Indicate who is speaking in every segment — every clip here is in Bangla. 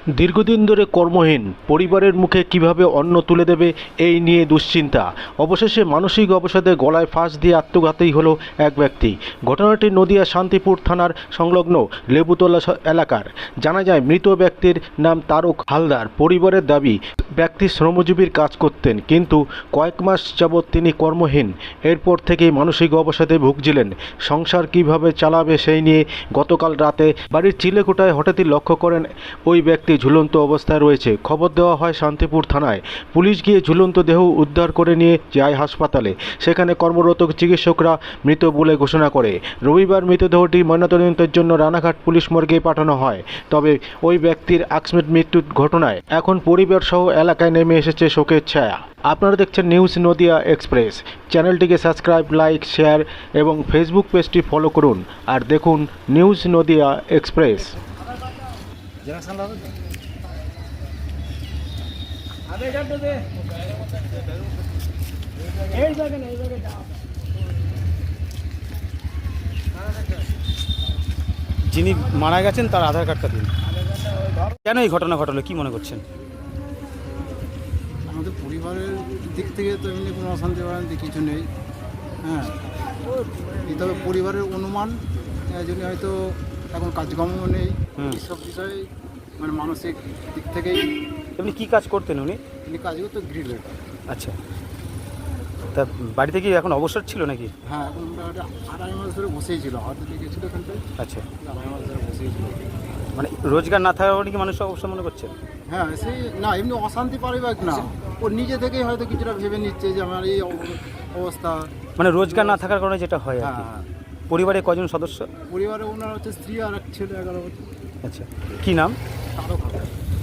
Speaker 1: দীর্ঘদিন ধরে কর্মহীন পরিবারের মুখে কিভাবে অন্ন তুলে দেবে এই নিয়ে দুশ্চিন্তা। অবশেষে মানসিক অবসাদে গলায় ফাঁস দিয়ে আত্মঘাতী হলো এক ব্যক্তি। ঘটনাটি নদিয়া শান্তিপুর থানার সংলগ্ন লেবুতলা এলাকার। জানা যায়, মৃত ব্যক্তির নাম তারক হালদার। পরিবারের দাবি, ব্যক্তি শ্রমজীবীর কাজ করতেন, কিন্তু কয়েক মাস যাবৎ তিনি কর্মহীন। এরপর থেকেই মানসিক অবসাদে ভুগছিলেন। সংসার কিভাবে চালাবে সেই নিয়ে গতকাল রাতে বাড়ির চিলেকোঠায় হঠাৎই লক্ষ্য করেন ওই ব্যক্তি ঝুলন্ত অবস্থায় রয়েছে। খবর দেওয়া হয় শান্তিপুর থানায়। পুলিশ গিয়ে ঝুলন্ত দেহ উদ্ধার করে নিয়ে যায় হাসপাতালে। সেখানে কর্মরত চিকিৎসকরা মৃত বলে ঘোষণা করে। রবিবার মৃতদেহটি ময়নাতদন্তের জন্য রানাঘাট পুলিশ মর্গে পাঠানো হয়। তবে ওই ব্যক্তির আকস্মিক মৃত্যুর ঘটনায় এখন পরিবার সহ এলাকায় নেমে এসেছে শোকের ছায়া। আপনারা দেখছেন নিউজ নদিয়া এক্সপ্রেস। চ্যানেলটিকে সাবস্ক্রাইব, লাইক, শেয়ার এবং ফেসবুক পেজটি ফলো করুন আর দেখুন নিউজ নদিয়া এক্সপ্রেস।
Speaker 2: যিনি মারা গেছেন তার আধার কার্ডটা দিন। কেন এই ঘটনা ঘটলো, কি মনে করছেন?
Speaker 3: আমাদের পরিবারের দিক থেকে তো এমনি কোনো অশান্তি বাড়ান্তি কিছু নেই। হ্যাঁ, তবে পরিবারের অনুমান যদি হয়তো এখন কাজকর্ম নেই, এইসব বিষয়ে মানে মানসিক দিক থেকেই।
Speaker 2: আপনি কী কাজ করতেন উনি?
Speaker 3: তিনি কাজ করতো গ্রিলের।
Speaker 2: আচ্ছা, তা বাড়িতে কি এখন অবসর ছিল নাকি?
Speaker 3: হ্যাঁ, এখন মোটামুটি 2.5 মাস ধরে বসেই ছিল, হাতে দিয়ে গেছিলো এখানটায়।
Speaker 2: আচ্ছা,
Speaker 3: 2.5 মাস ধরে বসেই ছিল।
Speaker 2: মানে রোজগার না থাকার কারণে কি মানুষ অবসর মনে করছে?
Speaker 3: হ্যাঁ, সেই না এমনি অশান্তি পারিবারিক না, ও নিজে থেকেই হয়তো কিছুটা ভেবে নিচ্ছে যে আমার এই অবস্থা।
Speaker 2: মানে রোজগার না থাকার কারণে যেটা হয় আর কি।
Speaker 3: হ্যাঁ,
Speaker 2: পরিবারে কজন সদস্য?
Speaker 3: পরিবারে ওনার হচ্ছে স্ত্রী আর এক ছেলে 11 বছর।
Speaker 2: আচ্ছা, কি নাম?
Speaker 3: তারক হালদার।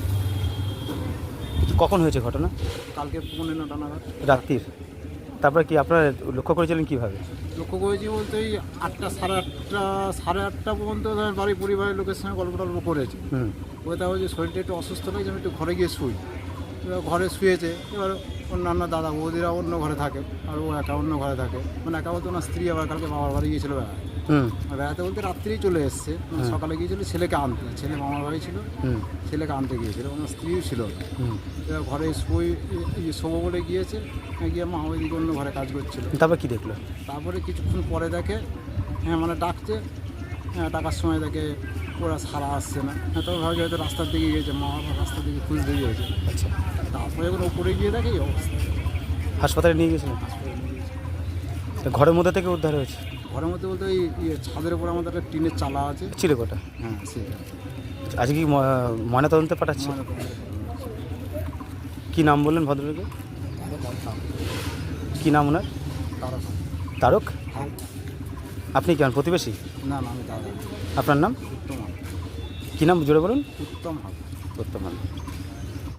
Speaker 2: কখন হয়েছে ঘটনা?
Speaker 3: কালকে 15টা নাগাদ
Speaker 2: রাত্রির। তারপরে কি আপনারা লক্ষ্য করেছিলেন কীভাবে?
Speaker 3: লক্ষ্য করেছি বলতে ওই 8টা সাড়ে আটটা পর্যন্ত বাড়ির পরিবারের লোকের সঙ্গে গল্প টল্প করেছি। ওটা হচ্ছে শরীরটা একটু অসুস্থ লাগছে, আমি একটু ঘরে গিয়ে শুই। এবার ঘরে শুয়েছে, এবার অন্যান্য দাদা বৌদিরা অন্য ঘরে থাকে আর ও একা অন্য ঘরে থাকে। মানে একা বলতে ওনার স্ত্রী আবার কালকে বাবার বাড়ি গিয়েছিলো বেড়াতে। বেড়াতে বলতে রাত্রেই চলে এসছে। সকালে গিয়েছিল ছেলেকে আনতে, ছেলে মামার বাড়ি ছিল, ছেলেকে আনতে গিয়েছিল, ওনার স্ত্রীও ছিল। এবার ঘরে শোবো বলে গিয়েছে, গিয়ে মা ওইদিকে অন্য ঘরে কাজ করছিল।
Speaker 2: তারপর কি দেখলো?
Speaker 3: তারপরে কিছুক্ষণ পরে দেখে, হ্যাঁ মানে ডাকছে, হ্যাঁ ডাকার সময় দেখে ওরা সারা আসছে না। হ্যাঁ, তবে ভাবছি হয়তো রাস্তার দিকে গিয়েছে, মা আবার রাস্তার দিকে খুঁজতে গিয়েছে।
Speaker 2: আচ্ছা,
Speaker 3: তারপরে যখন ওপরে গিয়ে দেখে এই অবস্থা।
Speaker 2: হাসপাতালে নিয়ে গেছিলেন?
Speaker 3: হাসপাতালে নিয়ে গেছে।
Speaker 2: তা ঘরের মধ্যে থেকে উদ্ধার হয়েছে?
Speaker 3: ঘরের মধ্যে বলতে ওই ছাদের উপর আমাদের একটা টিনের চালা আছে।
Speaker 2: চিলেকোঠা?
Speaker 3: হ্যাঁ, সেটা।
Speaker 2: আজকে কি ময়নাতদন্তে পাঠাচ্ছে? কি নাম বললেন ভদ্রলোকের? কি নাম ওনার? তারক? আপনি কেমন প্রতিবেশী?
Speaker 3: না না, আমি দাদা।
Speaker 2: আপনার নাম?
Speaker 3: উত্তম হালদার।
Speaker 2: কী নাম জোরে বলুন?
Speaker 3: উত্তম হালদার।
Speaker 2: উত্তম হালদার।